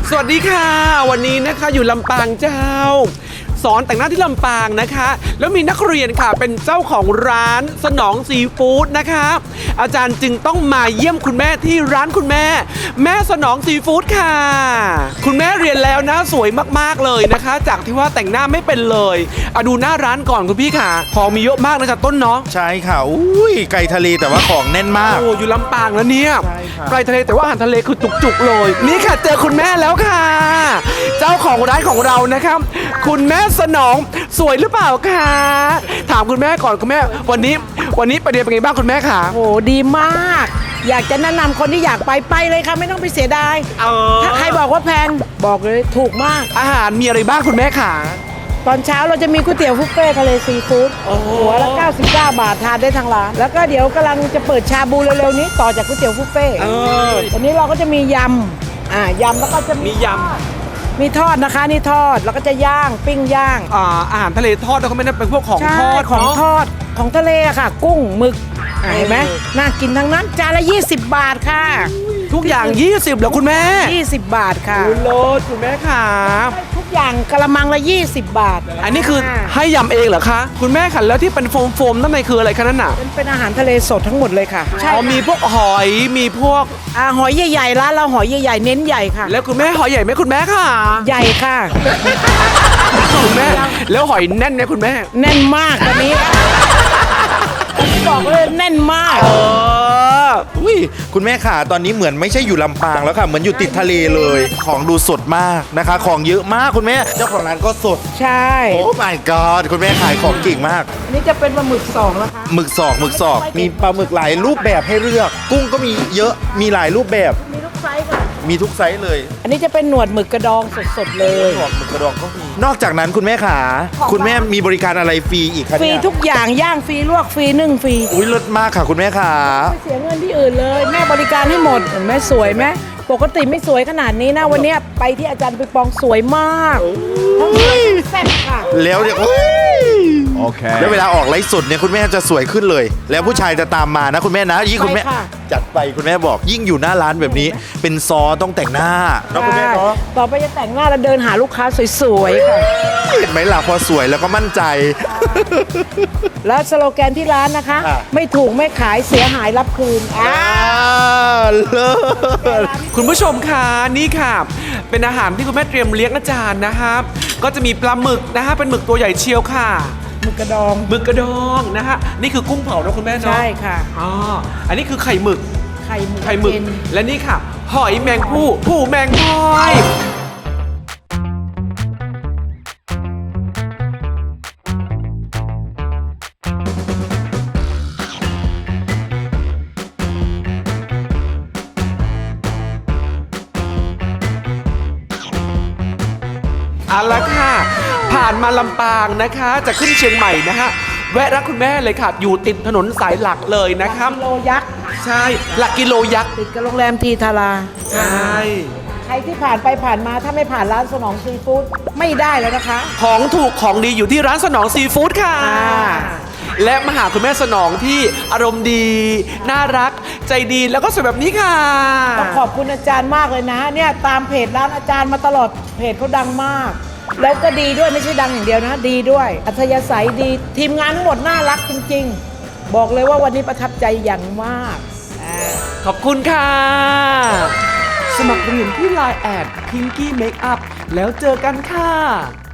สวัสดีค่ะวันนี้นะคะอยู่ลำปางเจ้าสอนแต่งหน้าที่ลำปางนะคะแล้วมีนักเรียนค่ะเป็นเจ้าของร้านสนองซีฟู้ดนะคะอาจารย์จึงต้องมาเยี่ยมคุณแม่ที่ร้านคุณแม่แม่สนองซีฟู้ดค่ะคุณแม่เรียนแล้วนะสวยมากๆเลยนะคะจากที่ว่าแต่งหน้าไม่เป็นเลยดูหน้าร้านก่อนคุณพี่ค่ะของมีเยอะมากนะจ๊ะต้นเนาะใช่ค่ะอุ้ยไก่ทะเลแต่ว่าของแน่นมากโอ้อยู่ลำปางแล้วเนี่ยใช่ค่ะไก่ทะเลแต่ว่าอาหารทะเลคือจุกๆเลยนี่ค่ะเจอคุณแม่แล้วค่ะเจ้าของร้านของเรานะครับคุณแม่สนองสวยหรือเปล่าคะถามคุณแม่ก่อนคุณแม่วันนี้ไปเรียนเป็นไงบ้างคุณแม่คะโอ้โหดีมาก อยากจะแนะนำคนที่อยากไปเลยค่ะไม่ต้องไปเสียดายถ้าใครบอกว่าแพงบอกเลยถูกมากอาหารมีอะไรบ้างคุณแม่คะตอนเช้าเราจะมีก๋วยเตี๋ยวบุฟเฟ่ทะเลซีฟู้ดหัวละ99 บาททานได้ทางร้านแล้วก็เดี๋ยวกำลังจะเปิดชาบูเร็วๆนี้ต่อจากก๋วยเตี๋ยวบุฟเฟ่ตอนนี้เราก็จะมียำยำแล้วก็จะมียำมีทอดนะคะนี่ทอดแล้วก็จะย่างปิ้งย่างอาหารทะเลทอดแล้วก็ไม่ได้เป็นพวกของทอดของทอดของทะเลอะค่ะ กุ้งหมึกเห็นไหมน่ากินทั้งนั้นจานละ20 บาทค่ะทุกอย่าง20เหรอคุณแม่ 20 บาทค่ะโลดคุณแม่ค่ะทุกอย่างกระมังละ20 บาทอันนี้คือให้ยำเองเหรอคะคุณแม่ค่ะแล้วที่เป็นโฟมนั่นคืออะไรคะนั่นน่ะเป็นอาหารทะเลสดทั้งหมดเลยค่ะใช่มีพวกหอยมีพวกหอยใหญ่ๆร้านเราหอยใหญ่ๆเน้นใหญ่ค่ะแล้วคุณแม่หอยใหญ่ไหมคุณแม่ค่ะใหญ่ค่ะคุณแม่แล้วหอยแน่นไหมคุณแม่แน่นมากตอนนี้บอกเลยแน่นมากอุ้ยคุณแม่ค่ะตอนนี้เหมือนไม่ใช่อยู่ลำปางแล้วค่ะเหมือนอยู่ติดทะเลเลยของดูสดมากนะคะของเยอะมากคุณแม่เจ้าของร้านก็สดใช่โอ้ my god คุณแม่ขายของเก่งมากนี่จะเป็นปลาหมึก2แล้วค่ะหมึกศอกมีปลาหมึกหลายรูปแบบให้เลือกกุ้งก็มีเยอะมีหลายรูปแบบมีทุกไซส์ค่ะมีทุกไซส์เลยอันนี้จะเป็นหนวดหมึกกระดองสดๆเลยหนวดหมึกกระดองก็มีนอกจากนั้นคุณแม่ขาคุณแม่มีบริการอะไรฟรีอีกคะฟรีทุกอย่างย่างฟรีลวกฟรีนึ่งฟรีอุ้ยเลิศมากค่ะคุณแม่ขาไม่เสียเงินที่อื่นเลยแม่บริการให้หมดเห็นไหมสวยไหมปกติไม่สวยขนาดนี้นะวันนี้ไปที่อาจารย์ไปปองสวยมากทั้งแซ่บค่ะแล้วเนี่ยโอเคแล้วเวลาออกไลฟ์สดเนี่ยคุณแม่จะสวยขึ้นเลยแล้วผู้ชายจะตามมานะคุณแม่นะยิ่งคุณแม่จัดไปคุณแม่บอกยิ่งอยู่หน้าร้านแบบนี้เป็นซอต้องแต่งหน้าแล้วคุณแม่เนาะต่อไปจะแต่งหน้าแล้วเดินหาลูกค้าสวยๆค่ะเห็นไหมล่ะพอสวยแล้วก็มั่นใจแล้วสโลแกนที่ร้านนะคะไม่ถูกไม่ขายเสียหายรับคืนเลิศคุณผู้ชมค่ะนี่ค่ะเป็นอาหารที่คุณแม่เตรียมเลี้ยงอาจารย์นะครับก็จะมีปลาหมึกนะฮะเป็นหมึกตัวใหญ่เชียวค่ะหมึกกระดองนะฮะนี่คือกุ้งเผานะคุณแม่เนาะใช่ค่ะอันนี้คือไข่หมึกเป็นและนี่ค่ะหอยแมงผู้แมงพอยเอาละค่ะผ่านมาลำปางนะคะจะขึ้นเชียงใหม่นะฮะแวะรักคุณแม่เลยค่ะอยู่ติดถนนสายหลักเลยนะครับกิโลยักษ์ใช่หลักกิโลยักษ์ติดกับโรงแรมทีทาราใช่ใครที่ผ่านไปผ่านมาถ้าไม่ผ่านร้านสนองซีฟู้ดไม่ได้แล้วนะคะของถูกของดีอยู่ที่ร้านสนองซีฟู้ดค่ะและมาหาคุณแม่สนองที่อารมณ์ดีน่ารักใจดีแล้วก็สวยแบบนี้ค่ะต้องขอบคุณอาจารย์มากเลยนะเนี่ยตามเพจร้านอาจารย์มาตลอดเพจเขาดังมากแล้วก็ดีด้วยไม่ใช่ดังอย่างเดียวนะดีด้วยอัธยาศัยดีทีมงานทั้งหมดน่ารักจริงๆบอกเลยว่าวันนี้ประทับใจอย่างมากขอบคุณค่ะสมัครเรียนที่ Line@ Pinky Makeup แล้วเจอกันค่ะ